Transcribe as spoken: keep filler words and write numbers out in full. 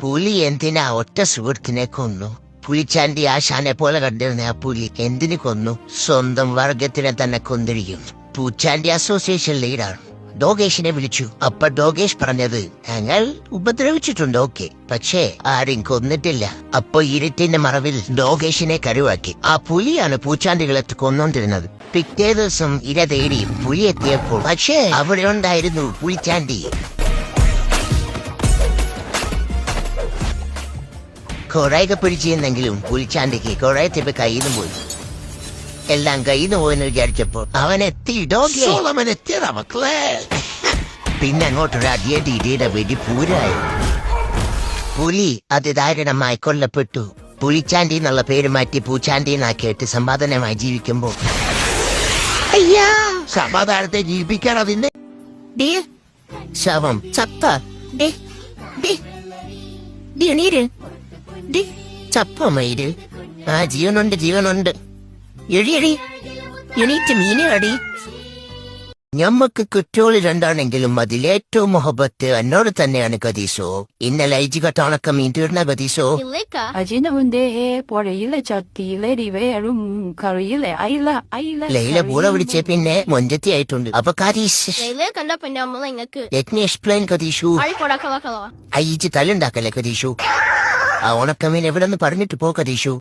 പുലി എന്തിനാ ഒറ്റ സുഹൃത്തിനെ കൊന്നു? പുലിച്ചാണ്ടി ആശാനെ പോലെ കണ്ടിരുന്ന ആ പുലി എന്തിനു കൊന്നു? സ്വന്തം വർഗത്തിനെ തന്നെ കൊന്നിരിക്കുന്നു. പൂച്ചാണ്ടി അസോസിയേഷൻ ലീഡാണ്. ഡോഗേഷിനെ വിളിച്ചു. അപ്പൊ ഡോഗേഷ് പറഞ്ഞത്, ഞങ്ങൾ ഉപദ്രവിച്ചിട്ടുണ്ട്, ഓക്കെ, പക്ഷേ ആരും കൊന്നിട്ടില്ല. അപ്പൊ ഇരുട്ടിന്റെ മറവിൽ ഡോഗേഷിനെ കരുവാക്കി. ആ പുലിയാണ് പൂച്ചാണ്ടികളെ കൊന്നോണ്ടിരുന്നത്. പിറ്റേ ദിവസം ഇര തേടി പുലി എത്തിയപ്പോൾ പക്ഷേ അവിടെ ഉണ്ടായിരുന്നു പുലിച്ചാണ്ടി. കൊറേയൊക്കെ പിടിച്ചിരുന്നെങ്കിലും പുലിച്ചാണ്ടിക്ക് കൊറേ തിപ്പ് കയ്യിന്ന് പോയി. എല്ലാം കയ്യിന്ന് പോയെന്ന് വിചാരിച്ചപ്പോൾ അവൻ എത്തി. അവൻ എത്തിയതാ മക്കളെ. പിന്നെ അങ്ങോട്ടൊരു അടിയടി ഇടിയുടെ വെടി പൂരായി. പുലി അതിദാരുണമായി കൊല്ലപ്പെട്ടു. പുലിച്ചാണ്ടി എന്നുള്ള പേര് മാറ്റി പൂച്ചാണ്ടി എന്നാക്കിയിട്ട് സമാധാനമായി ജീവിക്കുമ്പോൾ അയ്യാ സമാധാനത്തെ ജീവിപ്പിക്കാൻ അതിന്റെ ശവം ചത്ത ചപ്പമയിര്. ആ ജീവനുണ്ട് ജീവനുണ്ട്. എഴിയടി എണീറ്റ് മീനടി. ഞമ്മക്ക് കുറ്റോളി രണ്ടാണെങ്കിലും അതിലേറ്റവും മൊഹബത്ത് എന്നോട് തന്നെയാണ് കദീസോ. ഇന്നലെ ഐജിക ടണക്ക മീൻ തീർന്ന കദീസോ. ലൈല പൂള വിളിച്ച പിന്നെ മൊഞ്ചത്തി ആയിട്ടുണ്ട്. അപ്പൊ കദീസ് എക്സ്പ്ലെയിൻ കദീഷു. ഐജി തല്ലുണ്ടാക്കല്ലേ കദീഷു. ആ ഉണക്കമീൻ എവിടെ നിന്ന് പറഞ്ഞിട്ട് പോ കദീഷു.